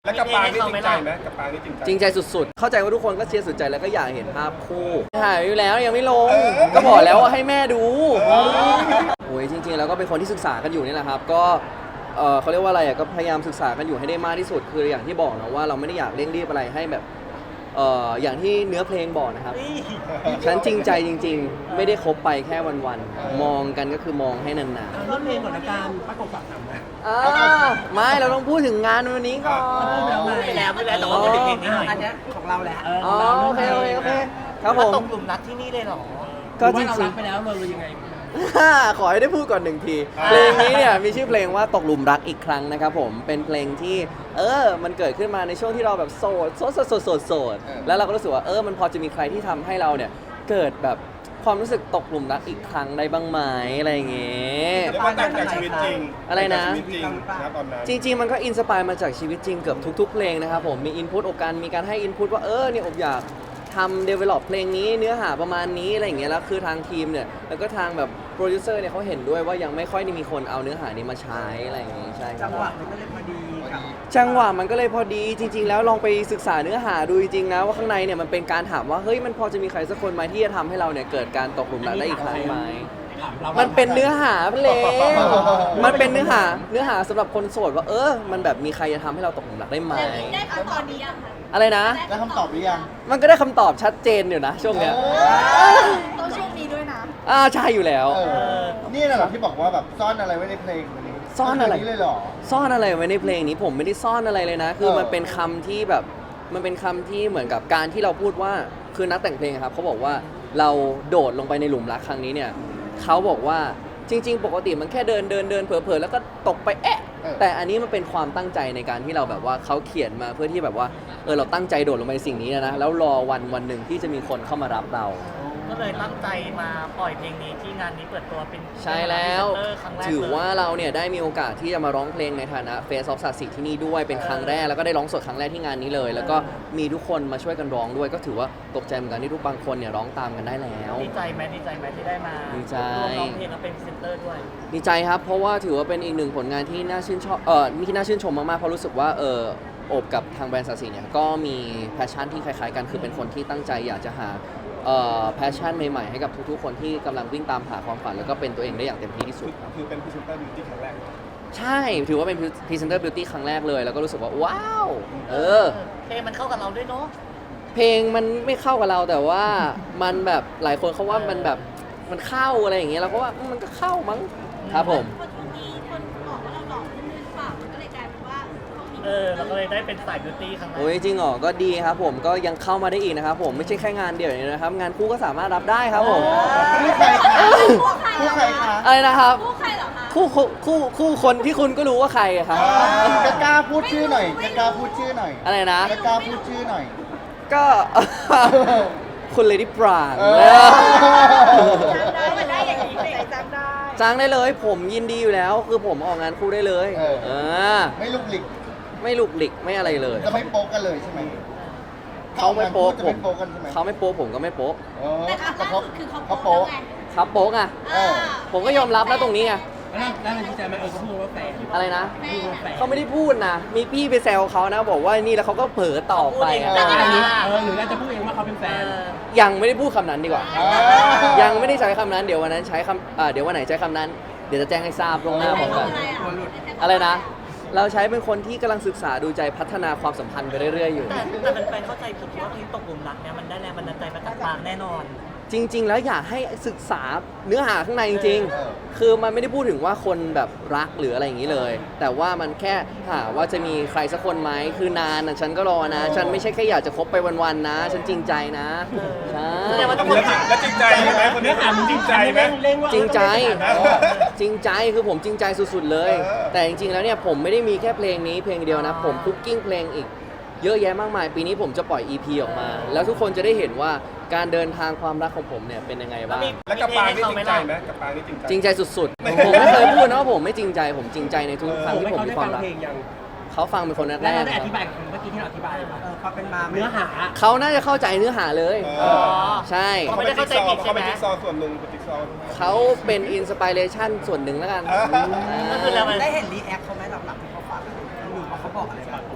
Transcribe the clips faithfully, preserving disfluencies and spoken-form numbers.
แล้วกับปางนี่จริงใจไหมกับปางนี่จริงใจจริงใจสุดๆเข้าใจว่าทุกคนก็เชียร์สุดใจแล้วก็อยากเห็นภาพคู่ถ่ายอยู่แล้วยังไม่ลงก็บอกแล้วว่าให้แม่ดูโอ้ยจริงๆแล้วก็เป็นคนที่ศึกษากันอยู่นี่แหละครับก็เออเขาเรียกว่าอะไรอ่ะก็พยายามศึกษากันอยู่ให้ได้มากที่สุดคืออย่างที่บอกนะว่าเราไม่ได้อยากเร่งรีบอะไรให้แบบเอออย่างที่เนื้อเพลงบอกนะครับฉันจริงใจจริงๆไม่ได้คบไปแค่วันๆมองกันก็คือมองให้นานๆเริ่มเพลงก่อนละกันประกบฝากทำนะอ่าไม่เราต้องพูดถึงงานวันนี้ก่อนพูดแล้วไงไปแล้วไปแล้วแต่ว่าพูดถึงเพลงนี้หน่อยอันเนี้ยของเราแหละอ๋อโอเคโอเคโอเคครับผมตกหลุมรักที่นี่เลยเหรอก็จว่าเราริรังกไปแล้วเราเลยยังไงๆ ขอให้ได้พูดก่อนหนึ่งทีเพลงนี้เนี่ยมีชื่อเพลงว่าตกหลุมรักอีกครั้งนะครับผมเป็นเพลงที่เออมันเกิดขึ้นมาในช่วงที่เราแบบโสดโสดโสดโสดโสดโสดแล้วเราก็รู้สึกว่าเออมันพอจะมีใครที่ทำให้เราเนี่ยเกิดแบบความรู้สึกตกหลุมรักอีกครั้งได้บ้างไหมอะไรอย่างเงี้ยเรียกว่าแต่งจากชีวิตจริงอะไรนะชีวิตจริงนะตอนนั้นจริงๆ มันก็อินสปายมาจากชีวิตจริงเกือบทุกๆ เพลงนะครับผม มีอินพุตอกการมีการให้อินพุตว่าเออเนี่ยอบอยากทำ develop เพลงนี้เนื้อหาประมาณนี้อะไรอย่างเงี้ยแล้วคือทางทีมเนี่ยแล้วก็ทางแบบโปรดิวเซอร์เนี่ยเขาเห็นด้วยว่ายังไม่ค่อยได้มีคนเอาเนื้อหานี้มาใช้อะไรอย่างงี้ใช่ครัจับงหวะมันก็เลยพอดีกับจังหวะมันก็เลยพอดีจริง ๆ แล้วลองไปศึกษาเนื้อหาดูจริงๆนะว่าข้างในเนี่ยมันเป็นการถามว่าเฮ้ยมันพอจะมีใครสักคนไหมที่จะทำให้เราเนี่ยเกิดการตกหลุมรักได้อีกครั้งไหมถามเรามันเป็นเนื้อหาเพลงมันเป็นเนื้อหา เนื้อหาสำหรับคนโสดว่าเออ มันแบบมีใครจะทำให้เราตกหลุมรักได้ไหมได้คำตอบนี้ยังคะอะไรนะได้คำตอบหรือยังมันก็ได้คำตอบชัดเจนอยู่นะช่วงเนี้ยต้องช่วงนี้ด้วยนะอ่าใช่อยู่แล้วเออ นี่น่ะเหรอที่บอกว่าแบบซ่อนอะไรไว้ในเพลงวันนี้ซ่อนอะไรนี้เลยเหรอซ่อนอะไรไว้ในเพลงนี้ผมไม่ได้ซ่อนอะไรเลยนะ คือเออมันเป็นคำที่แบบมันเป็นคำที่เหมือนกับการที่เราพูดว่าคือนักแต่งเพลงอะครับเขาบอกว่าเราโดดลงไปในหลุมรักครั้งนี้เนี่ยเขาบอกว่าจริง ๆ ปกติมันแค่เดินเดินเดินเผลอๆแล้วก็ตกไปแอะแต่อันนี้มันเป็นความตั้งใจในการที่เราแบบว่าเขาเขียนมาเพื่อที่แบบว่าเออเราตั้งใจโดดลงไปในสิ่งนี้นะแล้วรอวันวันหนึ่งที่จะมีคนเข้ามารับเราก็เลยตั้งใจมาปล่อยเพลงนี้ที่งานนี้เปิดตัวเป็นใช่แล้วพรีเซนเตอร์ครั้งแรกถือเลยว่าเราเนี่ยได้มีโอกาสที่จะมาร้องเพลงในฐานะ Face of ศาสตร์ศิลป์ที่นี่ด้วยเป็นครั้งแรกแล้วก็ได้ร้องสดครั้งแรกที่งานนี้เลย แล้วก็มีทุกคนมาช่วยกันร้องด้วย ก็ถือว่าตกใจเหมือนกันที่ทุกบางคนเนี่ยร้องตามกันได้แล้วดีใจไหมดีใจไหมที่ได้มาดีใจร่วมร้องเพลงและเป็นพรีเซนเตอร์ด้วยดีใจครับเพราะว่าถือว่าเป็นอีกหนึ่งผลงานที่น่าชื่นชอบเออที่น่าชื่นชมมากๆเพราะรู้สึกว่าเออโอบกับทางแบรนด์ศาสตร์ศิลป์เนี่ยก็มีแพชชั่นที่คล้ายๆกันคือเป็นคนที่ตั้งใจอยากจะหาเอ่อแพชชั่นใหม่ๆให้กับทุกๆคนที่กำลังวิ่งตามหาความฝันแล้วก็เป็นตัวเองได้อย่างเต็มที่ที่สุดครับคือเป็นพรีเซนเตอร์บิวตี้ครั้งแรกใช่ถือว่าเป็นพรีเซนเตอร์บิวตี้ครั้งแรกเลยแล้วก็รู้สึกว่าว้าวเออเพลงมันเข้ากับเราด้วยเนาะเพลงมันไม่เข้ากับเราแต่ว่ามันแบบหลายคนเขาว่ามันแบบมันเข้าอะไรอย่างเงี้ยเราก็ว่ามันก็เข้ามั้งครับผมคนมีคนบอกว่าเราหล่อขึ้นหรือเปล่ามันก็เลยกลายเป็นว่าเขามีเออเราก็เลยได้เป็นสายบิวตี้ครั้งแรกโอ้ยจริงเหรอก็ดีครับผมก็ยังเข้ามาได้อีกนะครับผมไม่ใช่แค่งานเดียวอย่างนี้นะครับงานคู่ก็สามารถรับได้ครับผมคู่ใครคะคู่ใครคะอะไรนะครับคู่ใครเหรอคะคู่คู่คู่คู่คนที่คุณก็รู้ว่าใครอะครับจะกล้าพูดชื่อหน่อยจะกล้าพูดชื่อหน่อยอะไรนะจะกล้าพูดชื่อหน่อยก็ คุณเลดี้ปรางเออจำได้มันได้อย่างนี้เลยจำได้จ้างได้เลยผมยินดีอยู่แล้ว คือผมออกงานคู่ได้เลยเออเออไม่ลุกหลิกไม่ลุกหลิกไม่อะไรเลยจะไม่โป๊กกันเลยใช่ไหมเขาไม่โป๊กจะผไม่มโป๊กกันใช่ไหมเขาไม่โป๊กผมก็ไม่โป๊กเออแต่ครั้งแต่ล่าเขาสุดคือเขาเขาโป๊โป๊กไงครับโป๊กอะเออผมก็ยอมรับนะตรงนี้ไงแล้วแล้วมันดีใจไหมเออเขาพูดว่าแฟนอะไรนะพูดว่าแฟนเขาไม่ได้พูดนะ มีพี่ไปแซวเขานะ บอกว่านี่แล้วเขาก็เผลอตอบไปอะเขาพูดเองเออหรือเราจะพูดเองว่าเขาเป็นแฟนยังไม่ได้พูดคำนั้นดีกว่าอ่ายังไม่ได้ใช้คำนั้น เดี๋ยววันนั้นใช้คำอ่าเดี๋ยววันไหนใช้คำนั้น เดี๋ยวจะแจ้งให้ทราบล่วงหน้าพร้อมกัน อะไรนะ เราใช้เป็นคนที่กำลังศึกษาดูใจพัฒนาความสัมพันธ์ไปเรื่อยๆอยู่แต่แต่เป็นแฟนเข้าใจผิดว่าเพลงตกหลุมรักเนี่ยมันได้แรงบันดาลใจมาจากปางแน่นอนจริง ๆ แล้วอยากให้ศึกษาเนื้อหาข้างในจริงเออๆ คือมันไม่ได้พูดถึงว่าคนแบบรักหรืออะไรอย่างนี้เลย แต่ว่ามันแค่หาว่าจะมีใครสักคนไหมคือนานนะฉันก็รอนะ ฉันไม่ใช่แค่อยากจะคบไปวันๆนะ ฉันจริงใจนะใช่แสดงว่าต้องแล้วจริงแล้วจริงใจไหมคนนี้เนื้อหามันจริงใจไหมเร่งว่าจริงใจเออจริงใจคือผมจริงใจสุดๆเลยเออแต่จริงๆแล้วเนี่ยผมไม่ได้มีแค่เพลงนี้เพลงเดียวนะ ผมคุกกิ้งเพลงอีก เยอะแยะมากมาย ปีนี้ผมจะปล่อย อี พี ออกมา แล้วทุกคนจะได้เห็นว่าการเดินทางความรักของผมเนี่ยเป็นยังไงบ้างแล้วกับปางนี่จริงใจไหมกับปางนี่จริงใจจริงใจสุดๆ ผมไม่เคยพูดนะว่าผมไม่จริงใจ ผมจริงใจในทุกครั้งที่ผมเขามีได้ควาฟัมงรักเพลงยังเขาฟังเป็นคนแรแล้วกเราๆได้คอรับธิบายเมื่อกี้ที่เราอธิบายเออเขาเป็นมาเนื้อหาเขาน่าจะเข้าใจเนื้อหาเลยเออใช่เขาเป็นจิ๊กซอว์เขาเป็นจิ๊กซอว์ส่วนหนึ่งเป็นจิ๊กซอว์เขาเป็นอินสปิเรชันส่วนหนึ่งแล้วกันเออก็คือเรามันได้เห็นรีแอคเขาไหมหลังๆที่เขาฟังหรือว่าเขาบอกอะไรบ้าง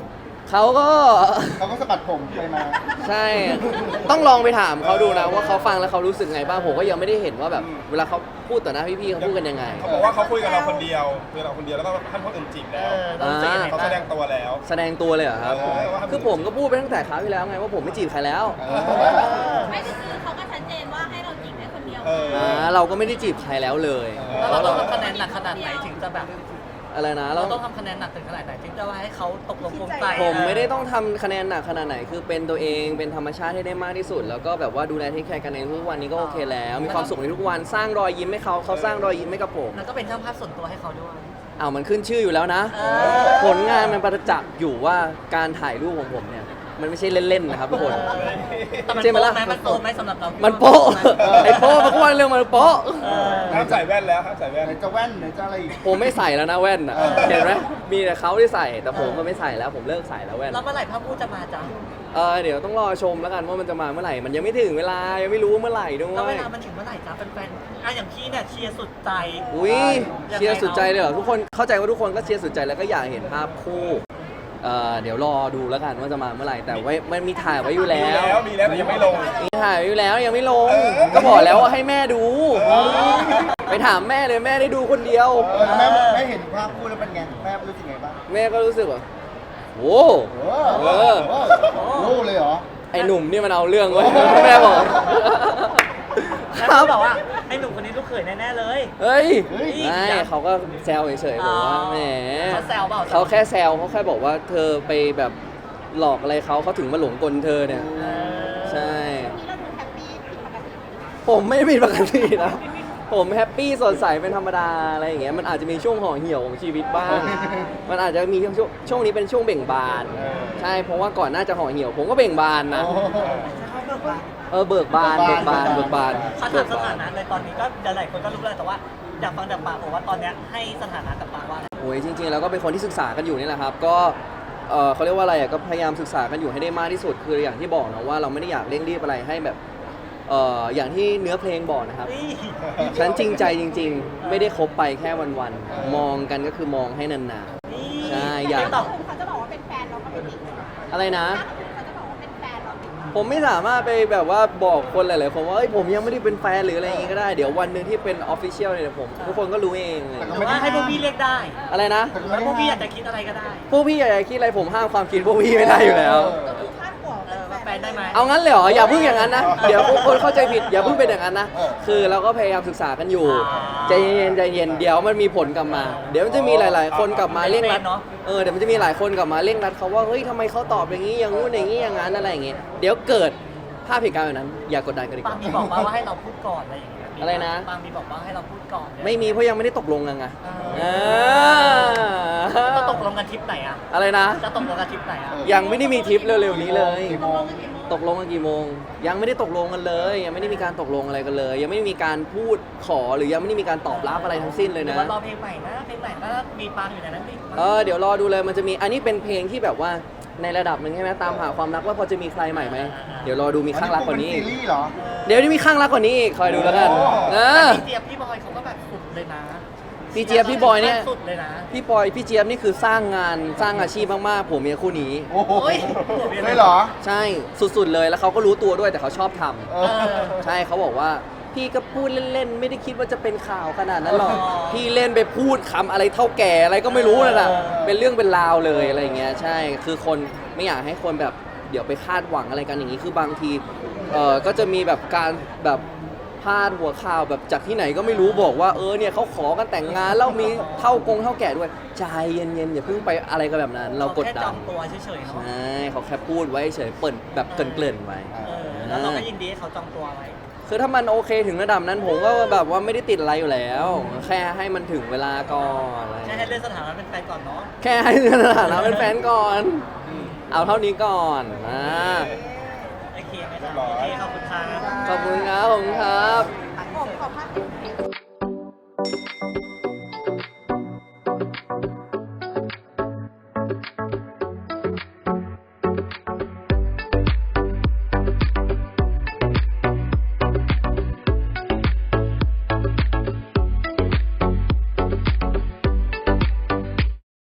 เขาก็เขาก็สะบัดผมไปมาใช่ ต้องลองไปถามเขาดูนะว่าเขาฟังแล้วเขารู้สึกไงบ้างผมก็ยังไม่ได้เห็นว่าแบบเวลาเขาพูดต่อหน้าพี่ๆเขาพูดกันยังไงเขาบอกว่าเขาคุยกับเราคนเดียวคุยกับเราคนเดียวแล้วก็ท่านคนอื่นจีบเอแล้วอเรารู้สึกยังไงเขาบ้าแสดงงตัวแล้วแสดงตัวเลยเหรอครับเออว่าคือผมก็พูดไปตั้งแต่คราวที่แล้วไงว่าผมไม่จีบใครแล้วไม่ก็คือเขาก็ชัดเจนว่าให้เราจีบได้คนเดียวเอออ่าเราก็ไม่ได้จีบใครแล้วเลยแล้วเราต้องทำคะแนนหนักขนาดไหนถึงจะแบบอะไรนะเราเราต้องทำคะแนนหนักถึงขนาดไหนถึงจะว่าให้เขาตกลงปลงใจผมไม่ได้ต้องทำคะแนนหนักขนาดไหน คือเป็นตัวเองเป็นธรรมชาติให้ได้มากที่สุด แล้วก็แบบว่าดูแลเทคแคร์กันในทุกวันนี้ก็โอเคแล้ว มีความสุขในทุกวันสร้างรอยยิ้มให้เขาเขาสร้างรอยยิ้มให้กับผมแล้วก็เป็นช่างภาพส่วนตัวให้เขาด้วยอ้าวมันขึ้นชื่ออยู่แล้วนะเออผลงานมันประจักษ์อยู่ว่าการถ่ายรูปของผมเนี่ยมันไม่ใช่เล่นๆนะครับทุกคนแต่มันใช่ไหมโป๊ะล่ะไหมมันโป๊ะไหมสำหรับเรามันโป๊ะไอ้โป๊ะมันก็ว่าเรื่องมันโป๊ะเออห้ามใส่แว่นแล้วห้ามใส่แว่นไหนจะแว่นไหนจะอะไรอีกผมไม่ใส่แล้วนะแว่นอ่ะเออเห็นไหมมีแต่เขาที่ใส่แต่ผมก็ไม่ใส่แล้วผมเลิกใส่แล้วแว่นแล้วเมื่อไหร่ภาพพูดจะมาจ้ะเออเดี๋ยวต้องรอชมแล้วกันว่ามันจะมาเมื่อไหร่มันยังไม่ถึงเวลายังไม่รู้เมื่อไหร่ด้วแล้วเวย ลามันถึงเมื่อไหร่จ้ะแฟนๆอ่ะอย่างพี่เนี่ยเชียร์สุดใจอุ้ยยังไงเชียร์สุดใจเลยเหรอทุกคนเข้าใจว่าทุกคนก็เชียร์สุดใจแล้วก็อยากเห็นภาพคู่เอ่อเดี๋ยวรอดูแล้วกันว่าจะมาเมื่อไหร่แต่ไว้มันมีถ่ายไว้อยู่แล้มีวแล้วมีแล้วแต่ยังไม่ลงมีถ่ายไว้อยู่แล้วยังไม่ลงเออก็บอกแล้วว่าให้แม่ดูเออไปถามแม่เลยแม่ได้ดูคนเดียวเออแม่แม่เห็นภาพคู่แล้วเป็นไงแม่รู้สึกไงบ้างแม่ก็รู้สึกว่าโอ้โอ้เออโหรู้เลยเหรอไอ้หนุ่มนี่มันเอาเรื่องไว้ยแม่บอกแล้วเขาบอกว่าไอ้หนุ่มคนนี้ลูกเขยแน่ๆเลยเฮ้ยเฮ้ยไม่เขาก็แซวเฉยๆบอกว่าแหมเขาแซวเปล่าเขาแค่แซวเขาแค่บอกว่าเธอไปแบบหลอกอะไรเขาเขาถึงมาหลงกลเธอเนี่ยเออใช่นี่เราดูแฮปปี้ผิดปกติผมไม่มีปกตินะผมแฮปปี้สดใสเป็นธรรมดาอะไรอย่างเงี้ยมันอาจจะมีช่วงห่อเหี่ยวของชีวิตบ้าง มันอาจจะมีช่วงช่วงนี้เป็นช่วงเบ่งบานเออใช่เพราะว่าก่อนหน้าจะห่อเหี่ยว ผมก็เบ่งบานนะโอ้เออเบิกบานเบิกบานเบิกบานถ้าถามสถานะในตอนนี้ก็หลายคนก็รู้แล้วแต่ว่าอยากฟังจากปากผมว่าตอนเนี้ยให้สถานะกับปากว่าอะไรโอ้ยจริงๆแล้วก็เป็นคนที่ศึกษากันอยู่นี่แหละครับ ก็เออเขาเรียกว่าอะไรอ่ะก็พยายามศึกษากันอยู่ให้ได้มากที่สุดคืออย่างที่บอกนะว่าเราไม่ได้อยากเร่งรีบอะไรให้แบบเอออย่างที่เนื้อเพลงบอกนะครับนี่ฉันจริงใจจริง ๆ ไม่ได้คบไปแค่วันๆมองกันก็คือมองให้นานนี่ใช่อยากไม่ตอบเขาจะบอกว่าเป็นแฟนเราก็ไม่ติดๆอะไรนะเขาจะบอกว่าเป็นแฟนเราติดผมไม่สามารถไปแบบว่าบอกคนหลายๆคนว่าเอ้ยผมยังไม่ได้เป็นแฟนหรืออะไรอย่างงี้ก็ได้เดี๋ยววันหนึ่งที่เป็นออฟฟิเชียลเนี่ยเดี๋ยวผมทุกคนก็รู้เองเลยหรือว่าให้พวกพี่เรียกได้อะไรนะแล้วพวกพี่อยากจะคิดอะไรก็ได้พวกพี่อยากจะคิดอะไรผมห้ามความคิดพวกพี่ไม่ได้อยู่แล้วคาดหัวเออว่าแฟนได้ไหมเอางั้นเลยเหรออย่าเพิ่งอย่างนั้นนะ เดี๋ยวคนเข้าใจผิดอย่าเพิ่งเป็นอย่างนั้นนะเออคือเราก็พยายามศึกษากันอยู่ใจเย็นใจเย็นเดี๋ยวมันมีผลกลับมา เดี๋ยวมันจะมีหลาย ๆ คนกลับมาเร่งรัดเออเดี๋ยวมันจะมีหลายคนกลับมาเร่งรัดเขาว่าเฮ้ยทำไมเขาตอบอย่างนี้อย่างงู้นอย่างนี้อย่างนั้นอะไรอย่างเงี้ยเดี๋ยวเกิดภาพเหตุการณ์แบบนั้น อย่ากดดันกันดีกบางว่ามีบอกมาว่าให้เราพูดก่อนอะไรอย่างเงี้ยอะไรนะบางมีบอกว่าให้เราพูดก่อนไม่มีเพราะยังไม่ได้ตกลงกันไงเออ่าจะตกลงกันทริปไหนอ่ะอะไรนะจะตกลงกันทริปไหนอ่ะยังไม่ได้มีทริปเร็วๆนี้เลยกี่โมงตกลงกันกี่โมง ยังไม่ได้ตกลงกันเลย ยังไม่ได้มีการตกลงอะไรกันเลย ยังไม่ได้มีการพูดขอหรือยังไม่ได้มีการตอบรับอะไรทั้งสิ้นเลยหรือนะว่ารอเพลงใหม่นะเพลงใหม่นะมีปางอยู่ในนั้นดิเออเดี๋ยวรอดูเลยมันจะมีอันนี้เป็นเพลงที่แบบว่าในระดับหนึ่งใช่ไหมตามหาความรักว่าพอจะมีใครใหม่ไหมเดี๋ยวรอดูมีข้างรักกว่านี้อัอีเป็กซีรีส์เหรอเดี๋ยวจะมีข้างรักกว่านี้อีกคอยดูแล้วกันโอ้เอแต่อพี่เจี๊ยบพี่บอยเขาก็แบบสุดเลยนะพี่เจี๊ยบพี่บอยเนี่ยสุดเลยนะพี่ปอยพี่เจี๊ยบนี่คือสร้างงานสร้างอาชีพมากๆผมเมียคู่นี้โอ้โหโอ้ยไม่เหรอใช่สุดๆเลยแล้วเขาก็รู้ตัวด้วยแต่เขาชอบทำเอเอออใช่เขาบอกว่าพี่ก็พูดเล่นๆ ไม่ได้คิดว่าจะเป็นข่าวขนาดนั้นหรอกอ๋อพี่เล่นไปพูดคำอะไรเท่าแก่อะไรก็ไม่รู้นั่นแหละเออเป็นเรื่องเป็นราวเลยอะไรอย่างเงี้ยใช่คือคนไม่อยากให้คนแบบเดี๋ยวไปคาดหวังอะไรกันอย่างนี้คือบางทีเออก็จะมีแบบการแบบพาดหัวข่าวแบบจากที่ไหนก็ไม่รู้บอกว่าเออเนี่ยเขาขอกันแต่งงานแล้วมีเท่ากงเท่าแก่ด้วยใจเย็นๆอย่าเพิ่งไปอะไรกันแบบนั้น เรากดแค่ดัจอน งตัวเฉยๆใชเนาะ่เขาแค่พูดไว้เฉยเปิดแบบเกริ่นๆไว้เออแล้วเราก็ยินดีให้เขาจองตัวไว้คือถ้ามันโอเคถึงระดับนั้นผมก็แบบว่าไม่ได้ติดอะไรอยู่แล้ว แค่ให้มันถึงเวลาก่อนอะไรแค่ให้เลื่อนสถานะเป็นแฟนก่อนเนาะแค่ให้สถานะเป็นแฟนก่อน เอาเท่านี้ก่อนนะโอเคไหมครับโอเคขอบคุณครับขอบคุณครับผมครับผมขอพัก